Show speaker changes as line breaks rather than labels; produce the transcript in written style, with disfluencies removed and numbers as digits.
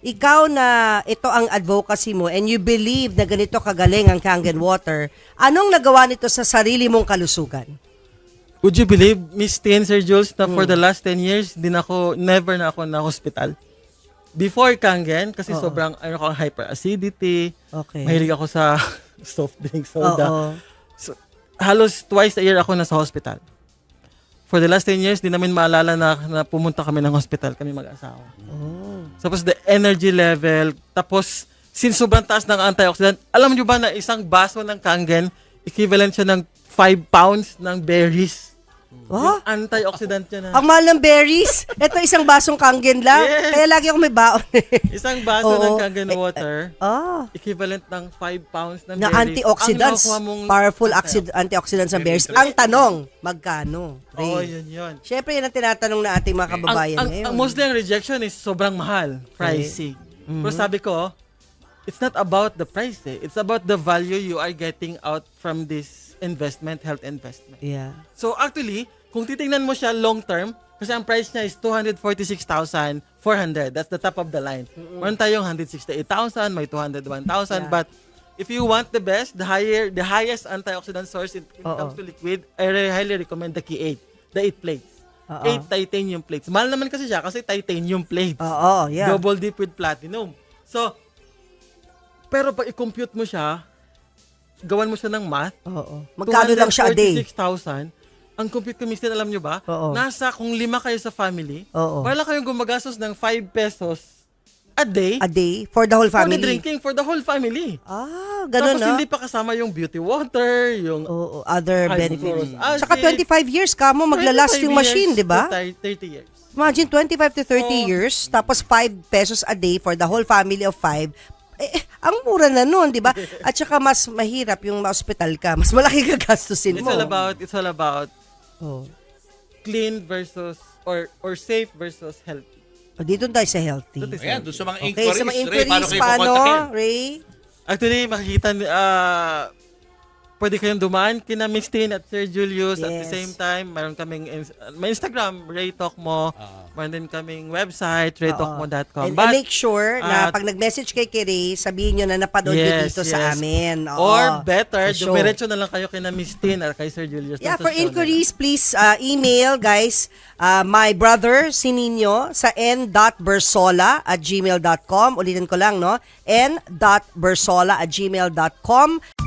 ikaw na ito ang advocacy mo and you believe na ganito kagaling ang Kangen Water, anong nagawa nito sa sarili mong kalusugan?
Would you believe, Miss Tin, Sir Jules, na for the last 10 years, never na ako na hospital. Before Kangen, kasi sobrang hyperacidity, mahilig ako sa soft drink, soda. So, halos twice a year ako nasa hospital. For the last 10 years, di namin maalala na pumunta kami ng hospital, kami mag-asawa. Tapos the energy level, tapos since sobrang taas ng antioxidant, alam niyo ba na isang baso ng Kangen, equivalent siya ng 5 pounds ng berries. Yung antioxidant niya na.
Ang mahal ng berries. Ito isang basong Kangen lang.
Yes.
Kaya lagi ako may baon.
Isang baso ng Kangen water, equivalent ng 5 pounds ng
na
berries.
antioxidants. Powerful antioxidants ng berries. Ang tanong, magkano?
Yun.
Siyempre, yan ang tinatanong na ating mga kababayan ngayon.
Mostly ang rejection is sobrang mahal. Pricey. Pero sabi ko, it's not about the price. It's about the value you are getting out from this health investment.
Yeah.
So actually, kung titingnan mo siya long term, kasi ang price niya is 246,400. That's the top of the line. Meron tayong 168,000, may 201,000. But if you want the best, the highest antioxidant source when it comes to liquid, I highly recommend the Key 8, the 8 plates. 8 titanium plates. Mahal naman kasi siya kasi titanium plates. Double dip with platinum. So, pero pag i-compute mo siya, gawan mo siya ng math.
Magkano lang siya a day?
246,000. Ang compute ko, Mr. alam nyo ba? Nasa kung 5 kayo sa family, wala kayong gumagastos ng 5 pesos a day.
A day? For the whole family?
For the drinking, for the whole family.
Ganun.
Tapos hindi pa kasama yung beauty water, yung
other benefits. Saka 25 years ka mo maglalast yung machine, di ba?
30 years.
Imagine, 25 to 30 years, tapos 5 pesos a day for the whole family of 5. Ang mura na nun, di ba? At saka mas mahirap yung ma-hospital ka. Mas malaki gagastusin mo.
It's all about clean versus or safe versus healthy.
Dito tayo sa healthy.
Ayan, doon sa mga
Okay,
inquiries,
sa mga
Ray,
inquiries,
paano kayo
paano,
kukontakin?
Ray?
Actually, makikita, pwede kayong dumaan kina Miss Tin at Sir Julius. At the same time, mayroon kaming may Instagram, Ray Talk Mo. Mayroon din kaming website, raytalkmo.com.
And make sure na pag nag-message kay Ray, sabihin nyo na napanood nyo dito sa amin.
Or better, dumiretso na lang kayo kina Miss Tin at kay Sir Julius.
Yeah, for inquiries, please email, guys, my brother, Sininyo, sa n.bersola@gmail.com. Ulitin ko lang, no? n.bersola@gmail.com.